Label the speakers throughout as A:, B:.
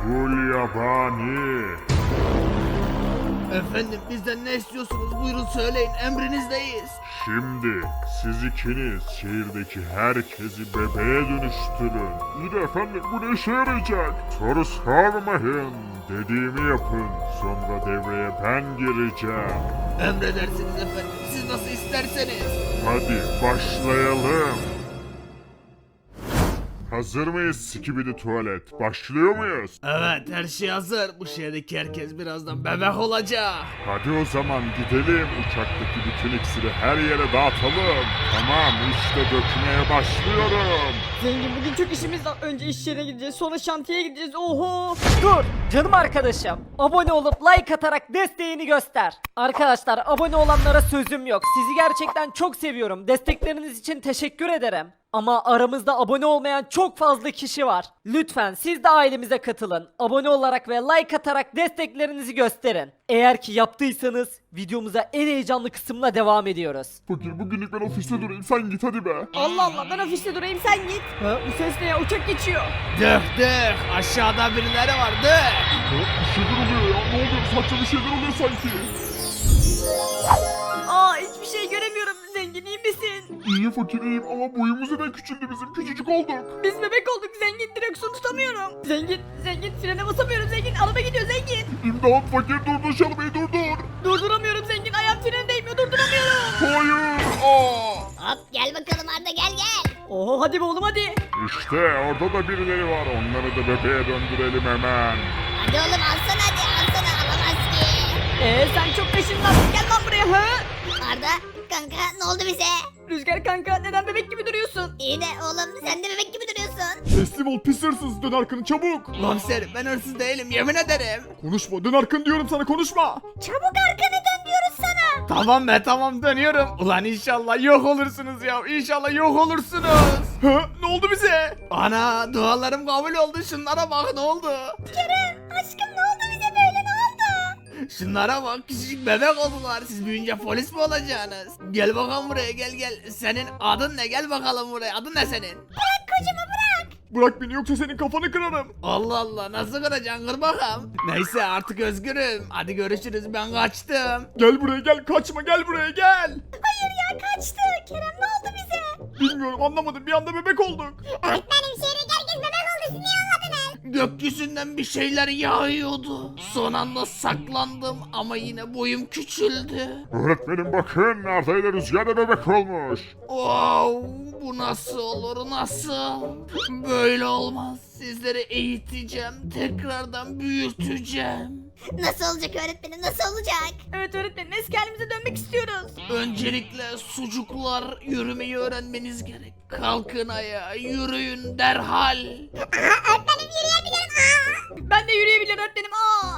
A: Gulyabani.
B: Efendim bizden ne istiyorsunuz? Buyurun söyleyin, emrinizdeyiz.
A: Şimdi siz ikiniz şehirdeki herkesi bebeğe dönüştürün. İyi de efendim bu ne işe yarayacak? Soru sormayın. Dediğimi yapın. Sonra devreye ben gireceğim.
B: Emredersiniz efendim, siz nasıl isterseniz.
A: Hadi başlayalım. Hazır mıyız Skibidi Tuvalet? Başlıyor muyuz?
B: Evet, her şey hazır. Bu şehirdeki herkes birazdan bebek olacak.
A: Hadi o zaman gidelim. Uçaktaki bütün iksiri her yere dağıtalım. Tamam işte dökmeye başlıyorum.
C: Zengin bugün çok işimiz var. Önce iş yerine gideceğiz, sonra şantiyeye gideceğiz. Oho! Dur canım arkadaşım. Abone olup like atarak desteğini göster. Arkadaşlar abone olanlara sözüm yok. Sizi gerçekten çok seviyorum. Destekleriniz için teşekkür ederim. Ama aramızda abone olmayan çok fazla kişi var. Lütfen siz de ailemize katılın. Abone olarak ve like atarak desteklerinizi gösterin. Eğer ki yaptıysanız videomuza en heyecanlı kısımla devam ediyoruz.
A: Fakir bugünlük ben ofiste durayım sen git hadi be.
C: Allah Allah ben ofiste durayım sen git. Ha, bu ses ne ya, uçak geçiyor.
B: Dök dök, aşağıda birileri var, dök.
A: Bir şeyler oluyor ya ne oluyor saçma bir şeyler oluyor sanki.
C: Aa hiçbir şey göremiyorum. Zengin iyi misin?
A: İyiyim fakir iyiyim ama boyumuz neden küçüldü bizim küçücük olduk.
C: Biz bebek olduk zengin, direksiyon tutamıyorum. Zengin frene basamıyorum zengin, araba gidiyor zengin.
A: İmdat fakir durdur şalmayı durdur.
C: Durduramıyorum zengin, ayağım frene değmiyor, durduramıyorum.
A: Hayır. Aa.
D: Hop gel bakalım Arda gel.
C: Oho hadi be oğlum hadi.
A: İşte orada da birileri var onları da bebeğe döndürelim hemen.
D: Hadi oğlum alsana alamaz ki.
C: Sen çok peşinden gel lan buraya ha.
D: Arda kanka ne oldu bize?
C: Rüzgar kanka neden bebek gibi duruyorsun?
D: İyi de oğlum sen de bebek gibi duruyorsun.
A: Teslim ol pis hırsız dön arkanı çabuk.
B: Komiserim ben hırsız değilim, yemin ederim.
A: Konuşma dön arkanı diyorum sana konuşma.
D: Çabuk arkanı dön diyoruz sana.
B: Tamam be tamam, dönüyorum. Ulan inşallah yok olursunuz ya, inşallah yok olursunuz.
A: Ha, ne oldu bize?
B: Ana dualarım kabul oldu, şunlara bak ne oldu.
D: Kerem aşkım ne oldu bize böyle ne oldu?
B: Şunlara bak, küçücük bebek oldular. Siz büyüyünce polis mi olacaksınız? Gel bakalım buraya, gel. Senin adın ne? Gel bakalım buraya, adın ne senin?
D: Bırak kocamı bırak.
A: Bırak beni yoksa senin kafanı kırarım.
B: Allah Allah, nasıl kıracaksın, kır bakalım. Neyse artık özgürüm. Hadi görüşürüz, ben kaçtım.
A: Gel buraya gel kaçma gel buraya gel.
D: Hayır ya kaçtı. Kerem ne oldu bize?
A: Bilmiyorum anlamadım bir anda bebek olduk.
D: Öğretmenim şehirdeki herkes bebek oldu siz niye anladınız?
B: Gökyüzünden bir şeyler yağıyordu. Son anda saklandım ama yine boyum küçüldü.
A: Öğretmenim bakın Arda ile Rüzgar da bebek olmuş.
B: Wow, bu nasıl olur, nasıl? Böyle olmaz. Sizleri eğiteceğim, tekrardan büyüteceğim.
D: Nasıl olacak öğretmenim nasıl olacak?
C: Evet öğretmenim eski halimize dönmek istiyoruz.
B: Öncelikle sucuklar, yürümeyi öğrenmeniz gerek. Kalkın ayağa, yürüyün derhal.
D: Öğretmenim yürüyebilirim.
C: Ben de yürüyebilirim öğretmenim.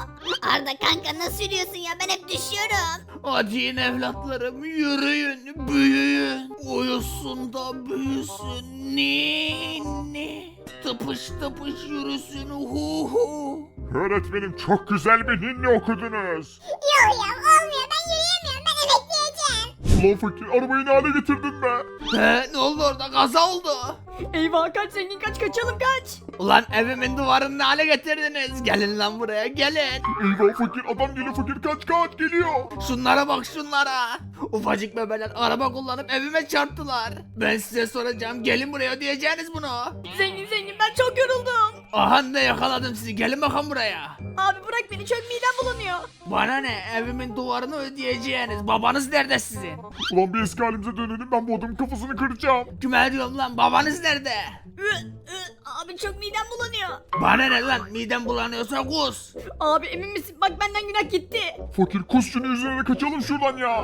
D: Arda kanka nasıl yürüyorsun ya ben hep düşüyorum.
B: Hadi yine evlatlarım, yürüyün, büyüyün. Uyusun da büyüsün, ninni. Tıpış tıpış yürüsün, hu hu.
A: Öğretmenim çok güzel bir ninni okudunuz.
D: Yok ya olmuyor ben yürüyemiyorum ben emekleyeceğim.
A: Ulan fakir arabayı ne hale getirdin be?
B: Ne oldu orada, kaza oldu.
C: Eyvah kaç zengin kaç, kaçalım kaç.
B: Ulan evimin duvarını ne hale getirdiniz? Gelin lan buraya, gelin.
A: Eyvah fakir adam geliyor fakir kaç geliyor.
B: Şunlara bak şunlara. Ufacık bebeler araba kullanıp evime çarptılar. Ben size soracağım, gelin buraya, ödeyeceğiniz bunu.
C: Zengin ben çok yoruldum.
B: Aha ne, yakaladım sizi, gelin bakalım buraya.
C: Abi bırak beni, çok midem bulanıyor.
B: Bana ne, evimin duvarını ödeyeceğiniz. Babanız nerede sizin?
A: Ulan bir eski halimize dönelim ben bu adamın kafasını kıracağım.
B: Kime diyorum lan, babanız nerede?
C: Abi çok midem bulanıyor.
B: Bana ne lan, midem bulanıyorsa kus.
C: Abi emin misin? Bak benden günah gitti.
A: Fakir kus şunu yüzüne kaçalım şuradan ya.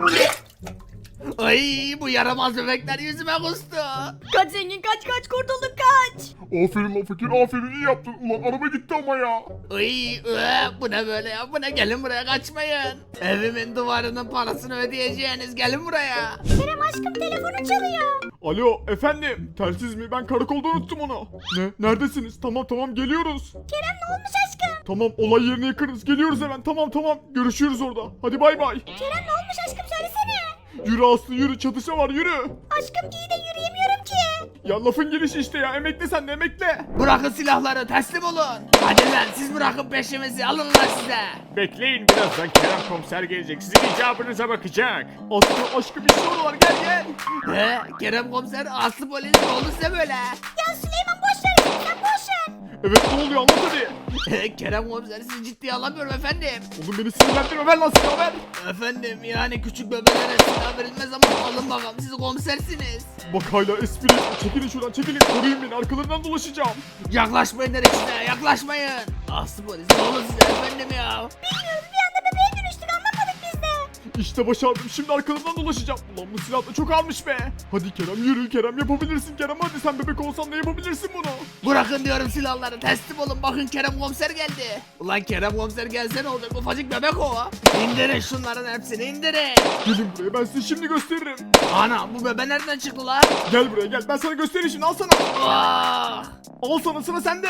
B: Ay bu yaramaz bebekler yüzüme kustu.
C: Kaç zengin kaç kurtulduk kaç.
A: Aferin lan fakir aferin iyi yaptın. Ulan araba gitti ama ya.
B: Ay bu ne böyle ya, bu ne, gelin buraya, kaçmayın. Evimin duvarının parasını ödeyeceğiniz, gelin buraya.
D: Kerem aşkım telefonu çalıyor.
A: Alo efendim telsiz mi ben karakolda unuttum onu. Ne neredesiniz tamam geliyoruz.
D: Kerem ne olmuş aşkım?
A: Tamam olay yerine yakınız geliyoruz hemen tamam görüşürüz orada. Hadi bay bay.
D: Kerem ne olmuş aşkım söylesene.
A: Yürü Aslı yürü çatışma var yürü.
D: Aşkım iyi de yürüyemiyorum ki.
E: Ya lafın gelişi işte ya, emekle sen de emekle.
B: Bırakın silahları, teslim olun. Hadi lan siz bırakın peşimizi, alın lan size.
E: Bekleyin, birazdan Kerem komiser gelecek, sizin icabınıza bakacak. Aslı aşkım bir şey var, gel gel.
B: Kerem komiser, Aslı polis, ne oldu size böyle?
D: Ya Süleyman boş ver sen boş ver.
E: Evet, ne oluyor, anlat hadi.
B: Kerem komiser sizi ciddiye alamıyorum efendim.
E: Oğlum beni sinirlendirme, ver lan silahı ver.
B: Efendim yani küçük bebeklere silah verilmez ama alın bakalım siz komisersiniz.
E: Bak hala espri, çekilin şuradan çekilin, koruyun beni, arkalarından dolaşacağım.
B: Yaklaşmayın dedik size, yaklaşmayın. Aslı polis ne olur size efendim ya.
D: Bilmiyoruz bir anda bebeğe dönüştük anlamadık biz de.
E: İşte başardım, şimdi arkalarından dolaşacağım. Ulan bu silah da çok almış be. Hadi Kerem, yürü Kerem, yapabilirsin Kerem, hadi sen bebek olsan da yapabilirsin bunu.
B: Bırakın diyorum silahları, teslim olun, bakın Kerem komiser geldi. Ulan Kerem komiser gelse ne olacak, ufacık bebek o. İndirin şunların hepsini, indirin.
E: Gelin buraya, ben size şimdi gösteririm.
B: Ana bu bebe nereden çıktı lan?
E: Gel buraya gel, ben sana göstereyim şimdi, al sana.
B: Vah!
E: Al sana, sıra sende.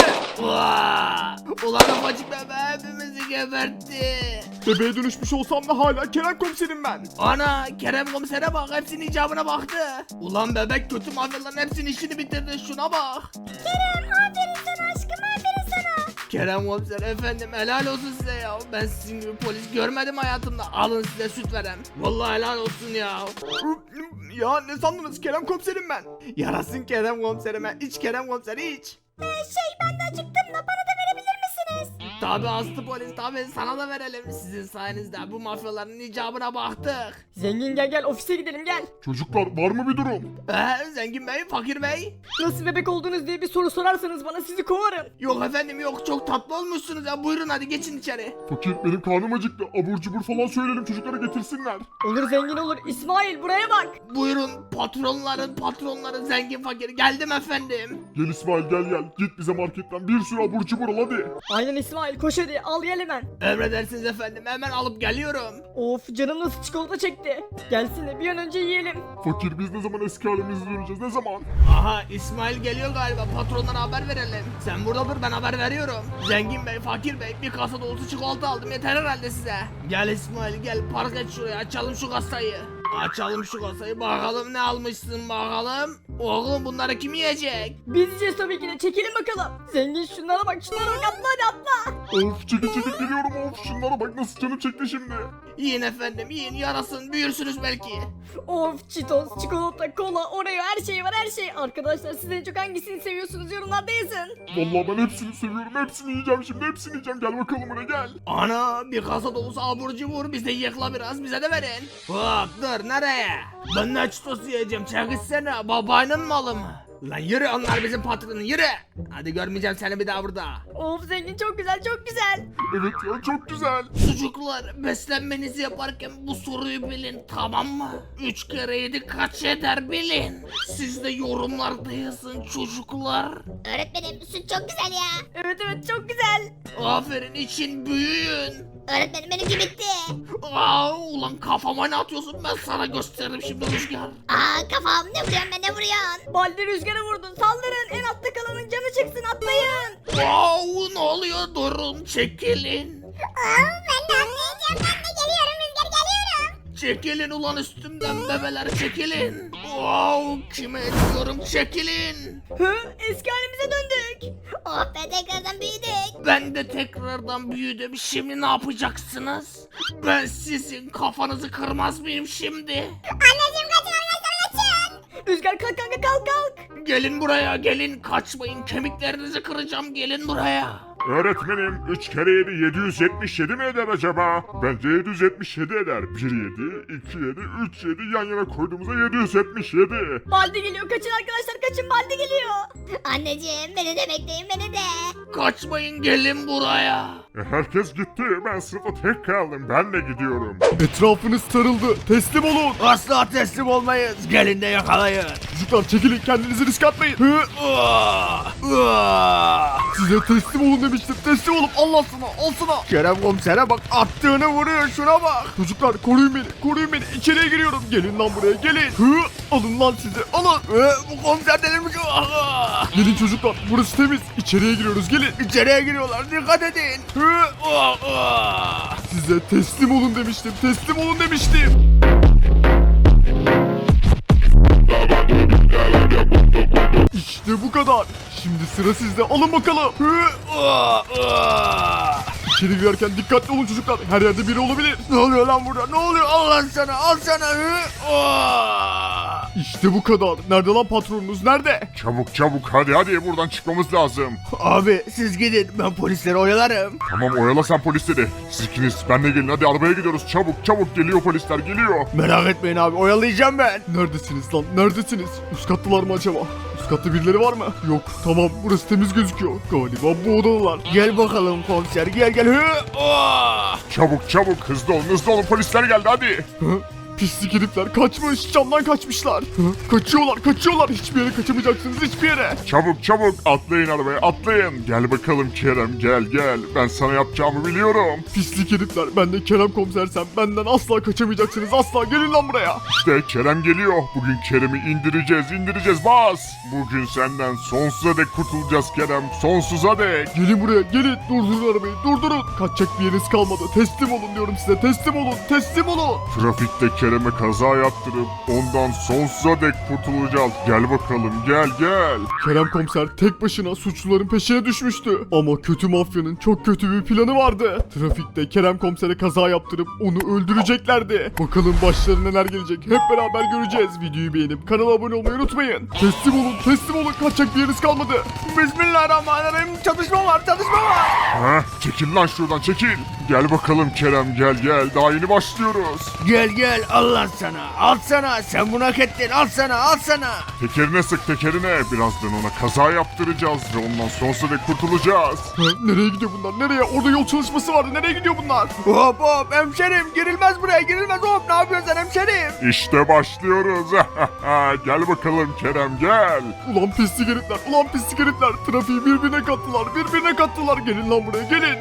B: Vah! Ulan ufacık bebe hepimizi gebertti.
E: Bebeğe dönüşmüş olsam da hala Kerem komiserim ben.
B: Ana Kerem komisere bak, hepsinin icabına baktı. Ulan bebek kötü mafyaların hepsinin işini bitirdi, şuna bak.
D: Kerem aferin sana aşkım aferin sana.
B: Kerem komiser efendim helal olsun size ya. Ben sizin gibi polis görmedim hayatımda. Alın size süt verem. Vallahi helal olsun ya.
E: Ya ne sandınız, Kerem komiserim ben.
B: Yarasın Kerem komiserime. İç Kerem komiser iç.
D: Ben de acıktım da bana da verebilir misiniz?
B: Tabi aslı polis tabi sana da verelim. Sizin sayenizde bu mafyaların icabına baktık.
C: Zengin gel gel ofise gidelim gel.
A: Çocuklar var mı bir durum?
B: Zengin bey, fakir bey.
C: Nasıl bebek oldunuz diye bir soru sorarsanız bana sizi kovarım.
B: Yok efendim yok, çok tatlı olmuşsunuz ya. Buyurun hadi geçin içeri.
A: Fakir benim karnım acıktı. Abur cubur falan söyleyelim çocuklara getirsinler.
C: Olur zengin olur. İsmail buraya bak.
B: Buyurun patronları zengin fakir. Geldim efendim.
A: Gel İsmail gel. Git bize marketten bir sürü abur cubur al hadi.
C: Aynen İsmail koş hadi al gel hemen.
B: Emredersiniz efendim, hemen alıp geliyorum.
C: Of canım nasıl çikolata çekti. Gelsin de bir an önce yiyelim.
A: Fakir biz ne zaman eski halimize döneceğiz, ne zaman?
B: Aha İsmail geliyor galiba, patronlara haber verelim. Sen burada dur, ben haber veriyorum. Zengin bey, fakir bey, bir kasa dolusu çikolata aldım, yeter herhalde size. Gel İsmail gel, park et şuraya, açalım şu kasayı. Açalım şu kasayı, bakalım ne almışsın bakalım. Oğlum bunları kim yiyecek?
C: Biz yiyeceğiz tabii ki de çekilin bakalım. Zengin şunlara bak atla hadi atla.
A: Of çekil geliyorum, of şunlara bak nasıl canım çekti şimdi.
B: Yiyin efendim yiyin, yarasın, büyürsünüz belki.
C: Of Cheetos, çikolata, kola, Oreo her şey var her şey. Arkadaşlar siz en çok hangisini seviyorsunuz yorumlarda yazın.
A: Vallahi ben hepsini seviyorum, hepsini yiyeceğim şimdi, hepsini yiyeceğim. Gel bakalım buraya gel.
B: Ana bir kasa dolusu abur cubur, biz de yıkla biraz, bize de verin. Hop dur, nereye? Ben ne çitos yiyeceğim, çekilsene, babanın malı mı? Lan yürü, onlar bizim patronun, yürü. Hadi görmeyeceğim seni bir daha burada.
C: Of zengin çok güzel çok güzel.
A: Evet ya çok güzel.
B: Çocuklar beslenmenizi yaparken bu soruyu bilin, tamam mı? 3 kere 7 kaç eder bilin. Siz de yorumlarda yazın çocuklar.
D: Öğretmenim süt çok güzel ya.
C: Evet çok güzel.
B: Aferin, için büyüyün.
D: Öğretmenim benimki bitti.
B: Ulan kafama ne atıyorsun, ben sana gösteririm şimdi Rüzgar.
D: Kafam ne vuruyorsun be ne vuruyorsun?
C: Baldi rüzgara vurdun saldırın en altta kalanın canı çıksın atlayın.
B: Ne oluyor, durun, çekilin.
D: Ben de atlayacağım ben de geliyorum Rüzgar geliyorum.
B: Çekilin ulan üstümden bebeler, çekilin. Kime diyorum, çekilin.
C: Hı eski halimize döndük.
D: Oh be tekrardan büyüdük.
B: Ben de tekrardan büyüdüm, şimdi ne yapacaksınız? Ben sizin kafanızı kırmaz mıyım şimdi?
D: Anneciğim kaçın arkadaşlar kaçın.
C: Rüzgar kalk kanka kalk.
B: Gelin buraya, gelin, kaçmayın, kemiklerinizi kıracağım, gelin buraya.
A: Öğretmenim 3 kere 7 777 mi eder acaba? Bence 777 eder. 1 7, 2 7, 3 7 yan yana koyduğumuzda 777.
C: Baldi geliyor kaçın arkadaşlar kaçın Baldi geliyor.
D: Anneciğim beni de bekleyin beni de.
B: Kaçmayın, gelin buraya.
A: Herkes gitti. Ben sınıfta tek kaldım. Ben de gidiyorum.
E: Etrafınız sarıldı, teslim olun.
B: Asla teslim olmayız, gelin de yakalayın.
E: Çocuklar çekilin, kendinizi risk atmayın. Hı? Size teslim olun demiştim, teslim olun. Allah sana, al sana.
B: Kerem komisere bak, attığını vuruyor, şuna bak.
E: Çocuklar koruyun beni, içeriye giriyorum. Gelin lan buraya, gelin. Hı? Alın lan sizi, alın.
B: Bu komiser delirmiş.
E: Gelin çocuklar, burası temiz. İçeriye giriyoruz, gelin.
B: İçeriye giriyorlar, dikkat edin.
E: Size teslim olun demiştim. İşte bu kadar. Şimdi sıra sizde. Alın bakalım. İçeri girerken dikkatli olun çocuklar. Her yerde biri olabilir. Ne oluyor lan burada? Ne oluyor? Al lan sana. Al sana. İşte bu kadar. Nerede lan patronunuz? Nerede?
A: Çabuk çabuk hadi buradan çıkmamız lazım.
B: Abi siz gidin ben polisleri oyalarım.
A: Tamam oyala sen polisleri. Siz ikiniz benle gelin hadi arabaya gidiyoruz. Çabuk geliyor polisler geliyor.
B: Merak etmeyin abi oyalayacağım ben.
E: Neredesiniz lan? Neredesiniz? Üst kattılar mı acaba? Üst katta birileri var mı? Yok. Tamam burası temiz gözüküyor. Galiba bu odalar.
B: Gel bakalım komiser gel.
A: Çabuk hızlı olun polisler geldi hadi.
E: Hı? Pislik herifler kaçmış. Camdan kaçmışlar. Hı? Kaçıyorlar. Hiçbir yere kaçamayacaksınız hiçbir yere.
A: Çabuk atlayın arabaya atlayın. Gel bakalım Kerem gel. Ben sana yapacağımı biliyorum.
E: Pislik herifler. Ben de Kerem komisersem benden asla kaçamayacaksınız. Asla gelin lan buraya.
A: İşte Kerem geliyor. Bugün Kerem'i indireceğiz bas. Bugün senden sonsuza dek kurtulacağız Kerem. Sonsuza dek.
E: Gelin buraya gelin. Durdurun arabayı durdurun. Kaçacak bir yeriniz kalmadı. Teslim olun diyorum size. Teslim olun.
A: Trafikte Kerem'e kaza yaptırıp ondan sonsuza dek kurtulacağız. Gel bakalım gel.
E: Kerem komiser tek başına suçluların peşine düşmüştü. Ama kötü mafyanın çok kötü bir planı vardı. Trafikte Kerem komisere kaza yaptırıp onu öldüreceklerdi. Bakalım başlarına neler gelecek hep beraber göreceğiz. Videoyu beğenip kanala abone olmayı unutmayın. Teslim olun. Kaçacak bir yeriniz kalmadı.
B: Bismillahirrahmanirrahim çatışma var.
A: Heh, çekil lan şuradan çekil. Gel bakalım Kerem gel. Daha yeni başlıyoruz.
B: Gel al sana sen bunu hak ettin al sana.
A: Tekerine sık tekerine. Birazdan ona kaza yaptıracağız ve ondan sonsuza dek kurtulacağız.
E: Ha, nereye gidiyor bunlar? Nereye? Orada yol çalışması vardı. Nereye gidiyor bunlar?
B: Hop hemşerim girilmez buraya hop ne yapıyorsun sen hemşerim?
A: İşte başlıyoruz. Gel bakalım Kerem gel.
E: Ulan pislik herifler. Trafiği birbirine kattılar. Gelin lan buraya gelin.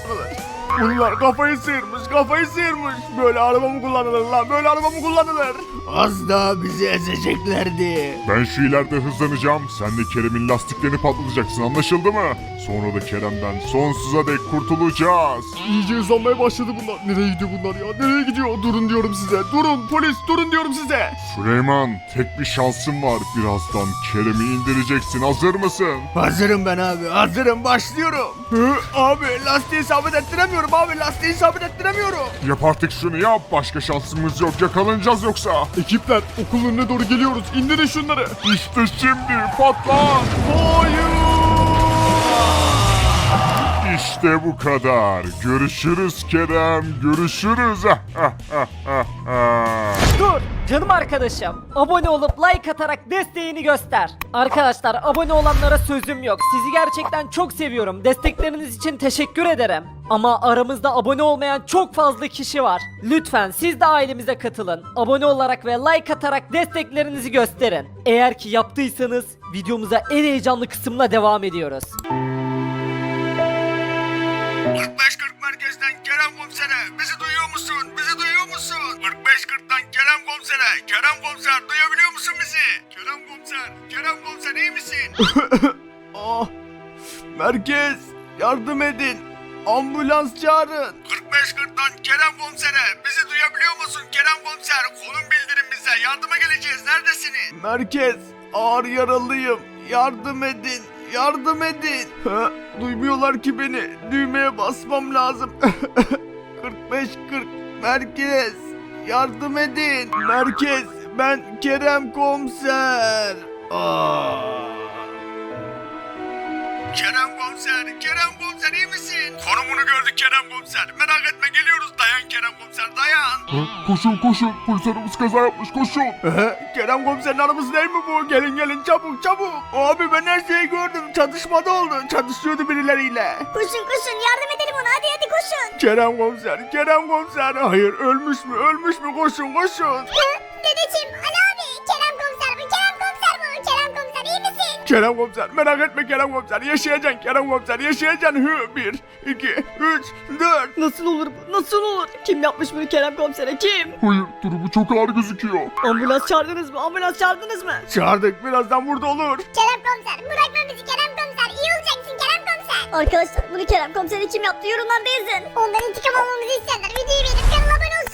B: Bunlar kafayı sıyırmış. Böyle araba mı kullanılır? Az daha bizi ezeceklerdi.
A: Ben şu ileride hızlanacağım. Sen de Kerem'in lastiklerini patlatacaksın anlaşıldı mı? Sonra da Kerem'den sonsuza dek kurtulacağız.
E: İyice hızlanmaya başladı bunlar. Nereye gidiyor bunlar ya? Nereye gidiyor? Durun diyorum size. Durun polis durun diyorum size.
A: Süleyman tek bir şansın var. Birazdan Kerem'i indireceksin. Hazır mısın?
B: Hazırım ben abi hazırım başlıyorum. Abi lastiği sabit ettiremiyorum.
A: Yap artık şunu yap. Başka şansımız yok. Yakalanacağız yoksa.
E: Ekipler okulun önüne doğru geliyoruz. İndirin şunları.
A: İşte şimdi patla.
E: Hayır.
A: İşte bu kadar. Görüşürüz Kerem. Görüşürüz.
C: Dur canım arkadaşım. Abone olup like atarak desteğini göster. Arkadaşlar abone olanlara sözüm yok. Sizi gerçekten çok seviyorum. Destekleriniz için teşekkür ederim. Ama aramızda abone olmayan çok fazla kişi var. Lütfen siz de ailemize katılın. Abone olarak ve like atarak desteklerinizi gösterin. Eğer ki yaptıysanız videomuza en heyecanlı kısımla devam ediyoruz.
B: 45-40 merkezden Kerem komisere bizi duyuyor musun? 45-40'tan Kerem komisere. Kerem komiser duyabiliyor musun bizi? Kerem komiser iyi misin? Merkez yardım edin. Ambulans çağırın. 45-40'tan Kerem komisere bizi duyabiliyor musun Kerem komiser? Konum bildirin bize yardıma geleceğiz neredesiniz? Merkez ağır yaralıyım yardım edin. Duymuyorlar ki beni. Düğmeye basmam lazım. 45-40 merkez. Yardım edin. Merkez ben Kerem komiser. Kerem komiser iyi misin? Konumunu gördük Kerem komiser. Merak etme geliyoruz dayan Kerem komiser dayan.
A: Koşun. Polis arabası kaza yapmış koşun.
B: Kerem komiserin arabası değil mi bu? Gelin çabuk. Abi ben her şeyi gördüm. Çatışmada oldu. Çatışıyordu birileriyle.
D: Koşun yardım edelim ona hadi koşun.
B: Kerem komiser. Hayır ölmüş mü? Koşun.
D: Dedeciğim Ali abi Kerem komiser bu. Kerem komiser iyi misin?
B: Kerem komiser merak etme Kerem komiser. Yaşayacaksın Kerem komiser yaşayacaksın. 1, 2, 3, 4.
C: Nasıl olur bu? Nasıl olur? Kim yapmış bunu Kerem komisere? Kim?
A: Hayır durumu çok ağır gözüküyor.
C: Ambulans çağırdınız mı?
B: Çağırdık birazdan burada olur.
D: Kerem komiser bırakma bizi Kerem komiser. İyi olacaksın Kerem komiser.
F: Arkadaşlar bunu Kerem komiser kim yaptı yorumlarda yazın.
D: Ondan intikam almamızı isterler. Videoyu beğenip kanala abone olsunlar.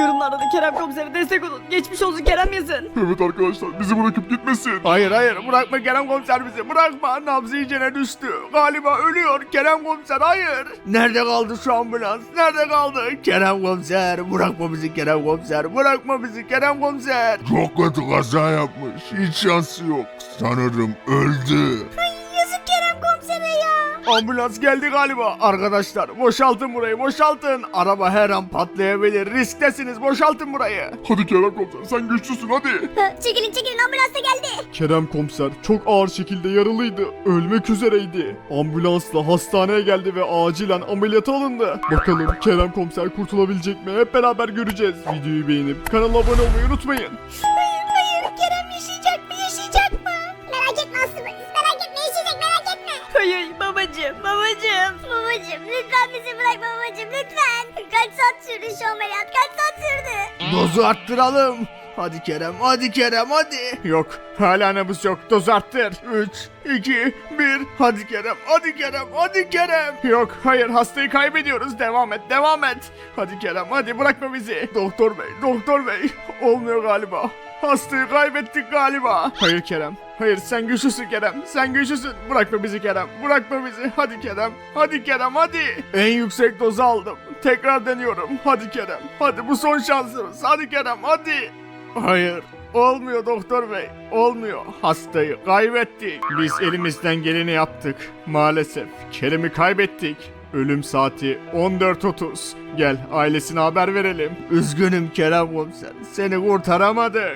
C: Yorumlarda da Kerem komisere destek olun. Geçmiş olsun Kerem yazın.
A: Evet arkadaşlar bizi bırakıp gitmesin.
E: Hayır bırakma Kerem komiser bizi bırakma. Nabzı iyicene düştü. Galiba ölüyor Kerem komiser hayır. Nerede kaldı şu ambulans? Nerede kaldı? Kerem komiser bırakma bizi Kerem komiser. Bırakma bizi Kerem komiser.
A: Çok kötü kaza yapmış. Hiç şansı yok. Sanırım öldü.
D: Yazık Kerem komisere ya.
E: Ambulans geldi galiba. Arkadaşlar boşaltın burayı boşaltın. Araba her an patlayabilir. Risktesiniz boşaltın burayı.
A: Hadi Kerem komiser sen güçlüsün hadi.
D: Çekilin ambulans da geldi.
E: Kerem komiser çok ağır şekilde yaralıydı. Ölmek üzereydi. Ambulansla hastaneye geldi ve acilen ameliyata alındı. Bakalım Kerem komiser kurtulabilecek mi? Hep beraber göreceğiz. Videoyu beğenip kanala abone olmayı unutmayın.
D: Hayır Kerem yaşayacak mı yaşayacak mı? Merak etme Aslı polis merak etme yaşayacak merak etme.
C: Hayır babacım.
D: Babacım lütfen bizi bırakma babacım lütfen. Kaç saat sürdü şu ameliyat kaç saat sürdü?
E: Dozu arttıralım. Hadi Kerem hadi. Yok hala nabız yok doz arttır. 3, 2, 1 hadi Kerem. Yok hayır hastayı kaybediyoruz devam et. Hadi Kerem hadi bırakma bizi. Doktor bey olmuyor galiba. Hastayı kaybettik galiba. Hayır Kerem. Hayır sen güçlüsün Kerem. Sen güçlüsün. Bırakma bizi Kerem. Bırakma bizi. Hadi Kerem. Hadi Kerem hadi. En yüksek dozu aldım. Tekrar deniyorum. Hadi Kerem. Hadi bu son şansımız. Hadi Kerem hadi. Hayır. Olmuyor doktor bey. Olmuyor. Hastayı kaybettik. Biz elimizden geleni yaptık. Maalesef Kerem'i kaybettik. Ölüm saati 14.30. Gel ailesine haber verelim. Üzgünüm Kerem komiser. Seni kurtaramadık.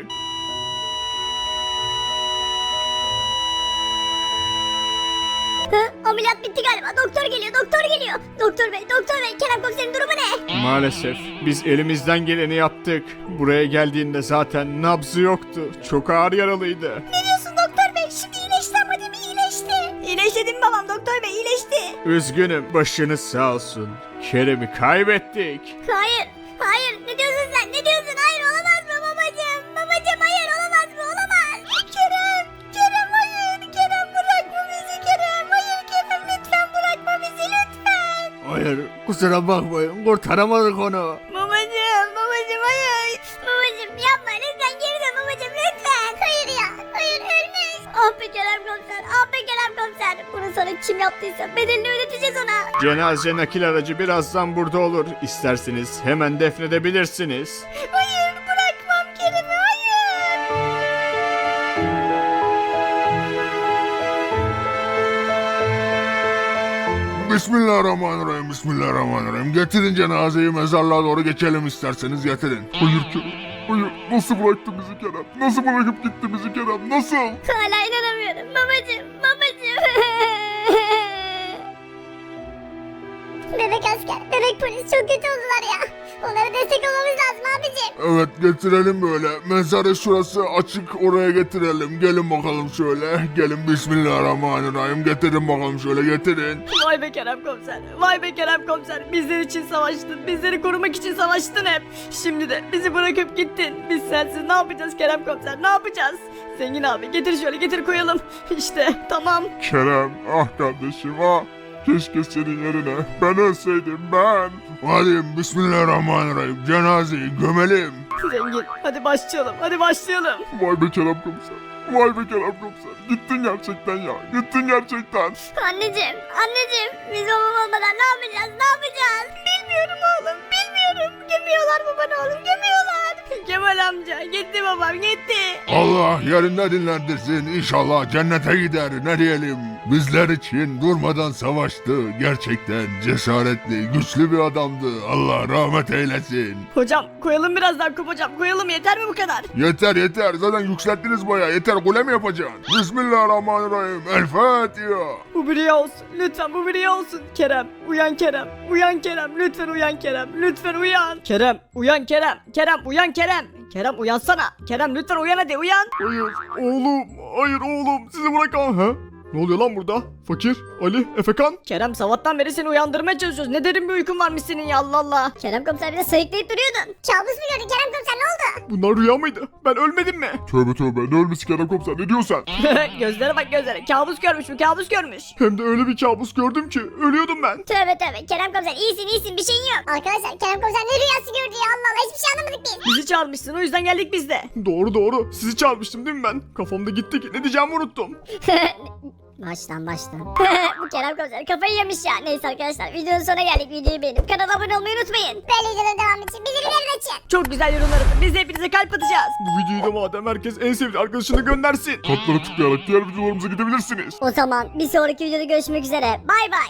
D: Ameliyat bitti galiba doktor geliyor. Doktor bey Kerem komiserin durumu ne?
E: Maalesef biz elimizden geleni yaptık. Buraya geldiğinde zaten nabzı yoktu. Çok ağır yaralıydı.
D: Ne diyorsun doktor bey şimdi iyileşti ama değil mi iyileşti? İyileşti değil mi babam doktor bey iyileşti.
E: Üzgünüm başınız sağ olsun. Kerem'i kaybettik.
D: Hayır ne diyorsun sen hayır olamaz mı babacım hayır olamaz mı Kerem hayır Kerem bırakma bizi Kerem hayır Kerem lütfen bırakma bizi lütfen.
E: Hayır kusura bakmayın kurtaramadık onu.
D: Babacım hayır. Babacım yapma lütfen geri dön babacım lütfen. Hayır ölmüş. Ah be Kerem komiser bunu sana kim yaptıysa bedelini ödeteceğiz ona.
E: Cenaze nakil aracı birazdan burada olur. İsterseniz hemen defnedebilirsiniz.
D: Hayır bırakmam Kerem'i hayır.
A: Bismillahirrahmanirrahim. Getirin cenazeyi mezarlığa doğru geçelim isterseniz getirin. Hayır Kerem. Hayır. Nasıl bıraktı bizi Kerem? Nasıl bırakıp gitti bizi Kerem? Nasıl?
D: Hala inanamıyorum babacım. Bebek asker, bebek polis çok kötü oldular ya. Onlara destek olmamız lazım abicim.
A: Evet getirelim böyle. Mezarı şurası açık oraya getirelim. Gelin bakalım şöyle. Gelin bismillahirrahmanirrahim. Getirin bakalım şöyle getirin.
C: Vay be Kerem komiser. Bizler için savaştın. Bizleri korumak için savaştın hep. Şimdi de bizi bırakıp gittin. Biz sensiz ne yapacağız Kerem komiser? Ne yapacağız? Zengin abi getir şöyle getir koyalım. İşte tamam.
A: Kerem ah kardeşim ah. Keşke senin yerine ben ölseydim ben. Hadi bismillahirrahmanirrahim. Cenazeyi gömelim.
C: Zengin hadi başlayalım.
A: Vay be Kerem komiser. Gittin gerçekten ya.
D: Anneciğim biz babam olmadan ne yapacağız? Bilmiyorum oğlum. Gömüyorlar babanı oğlum gömüyorlar.
C: Kemal amca gitti babam gitti.
A: Allah yerinde dinlendirsin. İnşallah cennete gider. Ne diyelim. Bizler için durmadan savaştı. Gerçekten cesaretli, güçlü bir adamdı. Allah rahmet eylesin.
C: Hocam koyalım biraz daha kup hocam koyalım yeter mi bu kadar?
A: Yeter. Zaten yükselttiniz bayağı. Yeter kule mi yapacaksın? Bismillahirrahmanirrahim. El Fatiha.
C: Bu bir rüya olsun lütfen bu bir rüya olsun. Kerem uyan Kerem lütfen uyan Kerem uyan Kerem uyansana. Kerem lütfen uyan hadi uyan.
E: Hayır oğlum sizi bırakamam. Ha? Ne oluyor lan burada? Fakir, Ali, Efekan.
C: Kerem sabahtan beri seni uyandırmaya çalışıyoruz. Ne derin bir uykun varmış senin ya, Allah Allah.
D: Kerem komiser bir de sayıklayıp duruyordun. Kabus mu gördün Kerem komiser, ne oldu?
E: Bunlar rüya mıydı? Ben ölmedim mi?
A: Tövbe tövbe, ne ölmesi Kerem komiser, ne diyorsun sen?
C: Gözlere bak gözlere. Kabus görmüş mü? Kabus görmüş.
E: Hem de öyle bir kabus gördüm ki ölüyordum ben.
D: Tövbe tövbe Kerem komiser, iyisin bir şeyin yok. Arkadaşlar Kerem komiser ne rüyası gördü ya, Allah Allah, hiçbir şey anlamadık biz.
C: Bizi çağırmışsın, o yüzden geldik biz de.
E: Doğru. Sizi çağırmıştım değil mi ben? Kafamda gitti ki ne diyeceğimi unuttum.
D: Baştan. Bu Kerem komiser kafayı yemiş ya. Neyse arkadaşlar, videonun sonuna geldik. Videoyu beğenip kanala abone olmayı unutmayın. Böyle videoların devamı için bildirimleri açın.
C: Çok güzel yorumlar atın. Biz de hepinize kalp atacağız.
E: Bu videoyu da madem herkes en sevdiği arkadaşını göndersin.
A: Kodlara tıklayarak diğer videolarımıza gidebilirsiniz.
D: O zaman bir sonraki videoda görüşmek üzere. Bay bay.